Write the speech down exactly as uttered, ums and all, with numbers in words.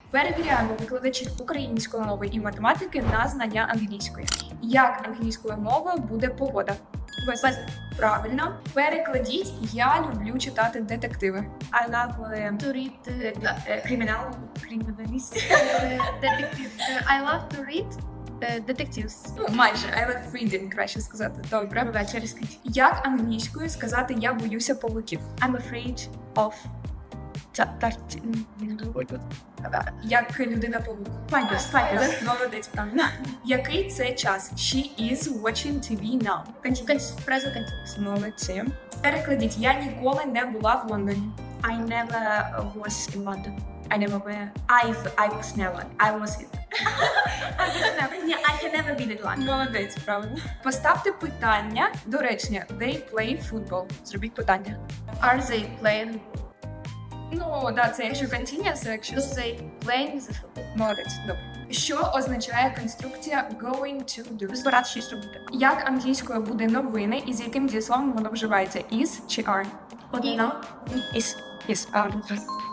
Перевіряємо викладачів української мови і математики на знання англійської. Як англійською мовою буде погода? Без. Правильно. Перекладіть «Я люблю читати детективи». I love uh, To read uh, uh, criminal, criminalist. uh, detective. Uh, I love to read uh, detectives. Ну, майже. I love reading, краще сказати. Добре. Пробач, через скажіть. Як англійською сказати «Я боюся павуків»? I'm afraid of Як людина-павук. spiders. Spiders. Молодець, правильно. Який це час? She is watching ті ві now. Continuous. Present continuous. Молодці. Перекладіть. Я ніколи не була в Лондоні. I never was in London. I never were. I've, I was never. I was it. I was never. Yeah, I can never be in London. Молодець, правильно. Поставте питання до речення. They play football. Зробіть питання. Are they playing? Ну, да, це якщо continuous, а якщо... Do they play the football? Молодець, добре. Що означає конструкція going to do? Збирати щось робити. Як англійською буде новини і з яким дієсловом воно вживається? Is чи are? Одно. Is. Is. А,